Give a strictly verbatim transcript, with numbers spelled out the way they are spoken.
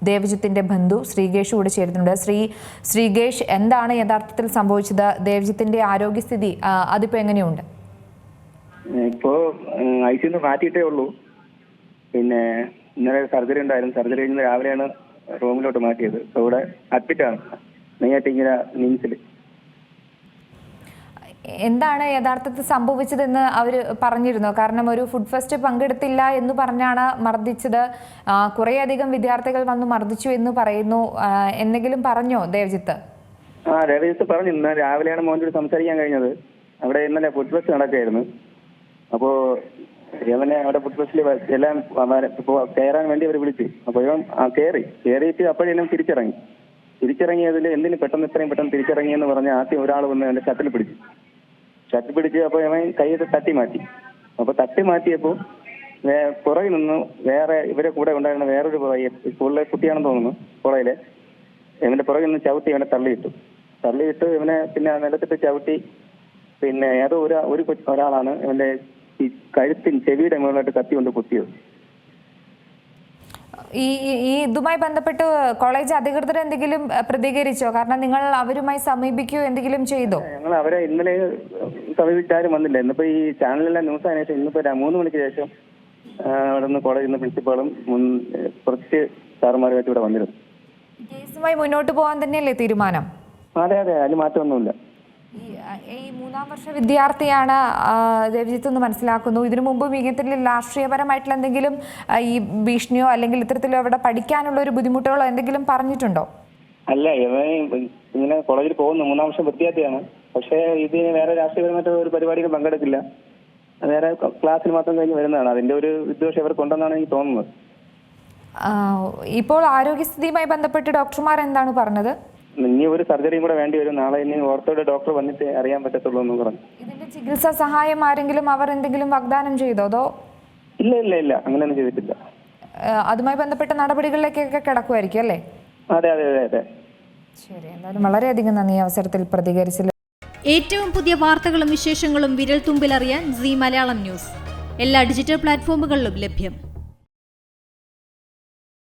ദേവജിത്തിന്റെ ബന്ധു ശ്രീകേഷ് കൂടെ ചേരുന്നുണ്ട്. ശ്രീ ശ്രീകേഷ്, എന്താണ് യഥാർത്ഥത്തിൽ സംഭവിച്ചത്? ദേവജിത്തിന്റെ ആരോഗ്യസ്ഥിതി അതിപ്പോ എങ്ങനെയുണ്ട്? ഇപ്പോ ഐ സിന്ന് മാറ്റിയിട്ടേ ഉള്ളൂ. പിന്നെ ഇന്നലെ സർജറി ഉണ്ടായിരുന്നു. സർജറി കഴിഞ്ഞ് രാവിലെയാണ് റൂമിലോട്ട് മാറ്റിയത്. ഇപ്പോൾ ഇവിടെ അഡ്മിറ്റാണ് നെയ്യാറ്റിങ്കര നിംസിൽ. എന്താണ് യഥാർത്ഥത്തിൽ സംഭവിച്ചതെന്ന് അവർ പറഞ്ഞിരുന്നോ? കാരണം ഒരു ഫുഡ് ഫെസ്റ്റ് പങ്കെടുത്തില്ല എന്ന് പറഞ്ഞാണ് മർദ്ദിച്ചത്. കുറേയധികം വിദ്യാർത്ഥികൾ വന്ന് മർദ്ദിച്ചു എന്ന് പറയുന്നു. എന്തെങ്കിലും പറഞ്ഞോ ദേവജിത്ത്? ആ ദേവജിത്ത് പറഞ്ഞു. ഇന്ന് രാവിലെയാണ് മോനോട് സംസാരിക്കാൻ കഴിഞ്ഞത്. അവിടെ ഇന്നലെ ഫുഡ് ഫെസ്റ്റ് നടക്കുകയായിരുന്നു. അപ്പോൾ ഇവനെ അവിടെ ഫുഡ് ഫെസ്റ്റിൽ എല്ലാം കയറാൻ വേണ്ടി അവർ വിളിച്ചു. അപ്പോൾ ഇവൻ കയറി കയറിയിട്ട് അപ്പോഴെല്ലാം തിരിച്ചിറങ്ങി. തിരിച്ചിറങ്ങിയതിൽ എന്തിന് പെട്ടെന്ന് ഇത്രയും പെട്ടെന്ന് തിരിച്ചിറങ്ങിയെന്ന് പറഞ്ഞ് ആദ്യം ഒരാൾ വന്ന് എൻ്റെ ഷട്ടിൽ പിടിച്ചു. ഷട്ടിൽ പിടിച്ച് അപ്പോൾ ഇവൻ കയ്യിൽ തട്ടി മാറ്റി. അപ്പോൾ തട്ടി മാറ്റിയപ്പോൾ പുറകിൽ നിന്ന് വേറെ ഇവരെ കൂടെ ഉണ്ടായിരുന്ന വേറൊരു പുറകെ സ്കൂളിലെ കുട്ടിയാണെന്ന് തോന്നുന്നു. പുറകിലെ ഇവന്റെ പുറകിൽ നിന്ന് ചവിട്ടി ഇവനെ തള്ളിയിട്ടു. തള്ളിയിട്ട് ഇവനെ പിന്നെ നിലത്തിട്ട് ചവിട്ടി. പിന്നെ ഏതോ ഒരു ഒരു ഒരാളാണ് ഇവന്റെ ഈ കഴുത്തിന് ചെവിയുടെ മുകളിലായിട്ട് കത്തി കൊണ്ട് കുത്തിയത്. ഈ ഈ ഇതുമായി ബന്ധപ്പെട്ട് കോളേജ് അധികൃതർ എന്തെങ്കിലും പ്രതികരിച്ചോ? കാരണം നിങ്ങൾ അവരുമായി സമീപിക്കുകയോ എന്തെങ്കിലും ചെയ്തോ? ഞങ്ങൾ അവരെ ഇന്നലെ സമീപിച്ചാലും വന്നില്ല. ഇന്നിപ്പോ ഈ ചാനലിലെല്ലാം ന്യൂസ് ആയതിനു ശേഷം ഇന്നിപ്പോ മൂന്ന് മണിക്ക് ശേഷം അവിടെ നിന്ന് കോളേജിൽ നിന്ന് പ്രിൻസിപ്പാളും കുറച്ച് സാറുമാരുമായിട്ട് ഇവിടെ വന്നിരുന്നു. കേസുമായി മുന്നോട്ട് പോകാൻ തന്നെയല്ലേ തീരുമാനം? അതെ അതെ, അതിൽ മാറ്റമൊന്നുമില്ല. ഈ മൂന്നാം വർഷ വിദ്യാർത്ഥിയാണ് ദേവജിത്ത് എന്ന് മനസ്സിലാക്കുന്നു. ഇതിനു മുമ്പും ഇങ്ങനത്തെ രാഷ്ട്രീയപരമായിട്ടുള്ള എന്തെങ്കിലും ഈ ഭീഷണിയോ അല്ലെങ്കിൽ ഇത്തരത്തിലോ അവിടെ പഠിക്കാനുള്ള ഒരു ബുദ്ധിമുട്ടുകളോ എന്തെങ്കിലും പറഞ്ഞിട്ടുണ്ടോ? അല്ല, ഇവൻ ഇങ്ങനെ കോളേജിൽ പോകുന്നു. മൂന്നാം വർഷം വിദ്യാർത്ഥിയാണ്. പക്ഷേ ഇത് വേറെ രാഷ്ട്രീയപരമായിട്ട് ഒരു പരിപാടികൾ പങ്കെടുക്കില്ല. വേറെ ക്ലാസ്സിൽ മാത്രം കഴിഞ്ഞ് വരുന്നതാണ്. അതിന്റെ ഒരു വിദ്വേഷം ഇവർക്കുണ്ടെന്നാണ് എനിക്ക് തോന്നുന്നത്. ഇപ്പോൾ ആരോഗ്യസ്ഥിതിയുമായി ബന്ധപ്പെട്ട് ഡോക്ടർമാർ എന്താണ് പറഞ്ഞത്? ഇനി ഒരു സർജറിയും കൂടെ വേണ്ടി വരും. നാളെ ഇനി ഓർത്തോയുടെ ഡോക്ടർ വന്നിട്ട് അറിയാൻ പറ്റത്തുള്ളൂ എന്ന് പറഞ്ഞു. ഇതിന്റെ ചികിത്സാ സഹായം ആരെങ്കിലും അവർ എന്തെങ്കിലും വാഗ്ദാനം ചെയ്തോ? അതോ ഇല്ല ഇല്ല ഇല്ല അങ്ങനെയൊന്നും ചെയ്തിട്ടില്ല. അതുമായി ബന്ധപ്പെട്ട നടപടികളിലേക്കൊക്കെ കിടക്കുമായിരിക്കും അല്ലേ? അതെ അതെ അതെ അതെ. ശരി, എന്തായാലും വളരെയധികം നന്ദി അവസരത്തിൽ പ്രതികരിച്ചില്ല. ഏറ്റവും പുതിയ വാർത്തകളും വിശേഷങ്ങളും വിരൽ തുമ്പിലറിയാൻ സീ മലയാളം ന്യൂസ് എല്ലാ ഡിജിറ്റൽ പ്ലാറ്റ്ഫോമുകളിലും ലഭ്യം.